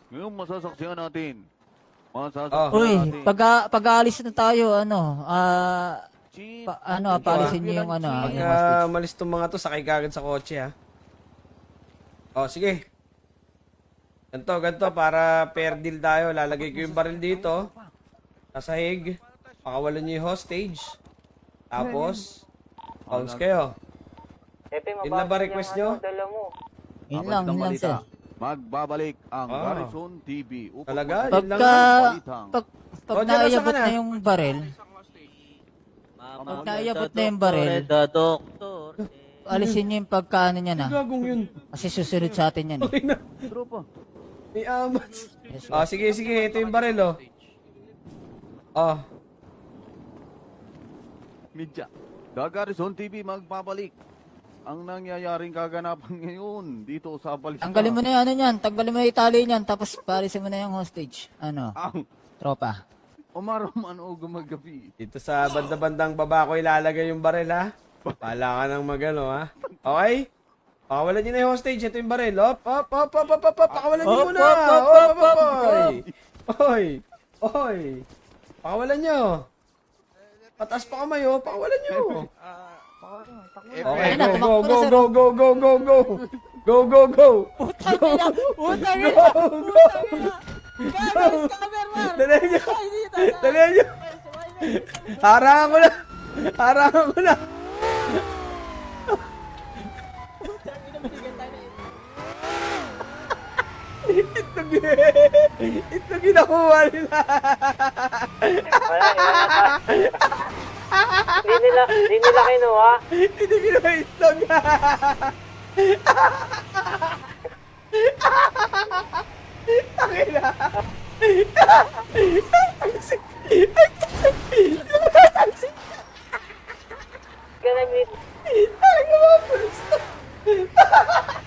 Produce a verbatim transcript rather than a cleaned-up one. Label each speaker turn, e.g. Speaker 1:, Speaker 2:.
Speaker 1: Ngayon masasaksihan natin. Masasaksihan
Speaker 2: Oh.
Speaker 3: Uy,
Speaker 1: natin.
Speaker 3: pag, pag-aalis na tayo, ano, ah,
Speaker 1: Chief,
Speaker 3: pa, ano, paalisin niyo yung ano, ah,
Speaker 2: Pag
Speaker 3: yung
Speaker 2: uh,
Speaker 3: hostage.
Speaker 2: malis tong mga to, sakay ka agad sa kotse, ha? Oh, sige. Ganto, ganto, para fair deal tayo. Lalagay ko yung baril dito. Sa sahig. Pakawalan niyo yung hostage. Tapos, bounce kayo.
Speaker 4: Epe,
Speaker 2: Yun na ba request nyo?
Speaker 4: Dala mo.
Speaker 3: Yun
Speaker 1: Abad
Speaker 3: lang,
Speaker 1: ng
Speaker 3: yun lang,
Speaker 1: balita.
Speaker 3: sir.
Speaker 1: Magbabalik ang
Speaker 2: Ah.
Speaker 1: Garrison T V upang
Speaker 2: Talaga?
Speaker 1: masasaksihan
Speaker 2: Yun lang
Speaker 3: Pagka,
Speaker 1: ang balitang
Speaker 3: pag, pag
Speaker 2: Roger, nasa
Speaker 3: naiabot
Speaker 2: ka na?
Speaker 3: na yung baril, pag naiabot na yung baril,
Speaker 4: Doktor.
Speaker 3: alisin niyo yung pagkaano niya na.
Speaker 2: Gagong yun.
Speaker 3: Kasi susunod sa atin yan eh.
Speaker 2: Okay na.
Speaker 1: tropa.
Speaker 2: May amats.
Speaker 3: Yes,
Speaker 2: Oh, sige, sige. Ito yung baril, oh. Oh.
Speaker 1: Midya. The Garrison T V magbabalik ang nangyayaring kaganapan ngayon dito sa balita.
Speaker 3: Tanggalin mo na yung ano niyan, tanggalin mo na yung tali niyan, tapos paalisin mo na yung hostage. Ano,
Speaker 1: Ang
Speaker 3: tropa.
Speaker 1: umaraman o gumagabi.
Speaker 2: Dito sa banda-bandang baba ko ilalagay yung baril, ha? Pala ka ng magano, ha? Okay? Pakawalan niyo na yung hostage. Ito yung baril. Op, op, op, op, op, op, op. Pakawalan niyo
Speaker 3: Op,
Speaker 2: muna.
Speaker 3: op, op,
Speaker 2: Op,
Speaker 3: op,
Speaker 2: op, op,
Speaker 3: op.
Speaker 2: oy. Oy. Oy. Pakawalan niyo. Pataas pa kamay, oh. Pakawalan niyo. Okay,
Speaker 3: Ayun na,
Speaker 2: go,
Speaker 3: tumakbo
Speaker 2: go,
Speaker 3: na, sir.
Speaker 2: go, go, go, go, go. Go, go, go.
Speaker 3: Putang ina! Putang ina!
Speaker 2: Go, go.
Speaker 3: Gagawin ka, Berman!
Speaker 2: Dali niyo.
Speaker 3: Ay, hindi tayo.
Speaker 2: Dali niyo. Harangan ko na. Harangan ko na. Ito, ito ginakuha nila.
Speaker 4: Wala, Hindi nila, hindi nila kinuha.
Speaker 2: Hindi ginawa ito. Tangina. Tangsik. Tangsik.
Speaker 4: Ganun,
Speaker 2: Ay, mga pulis to.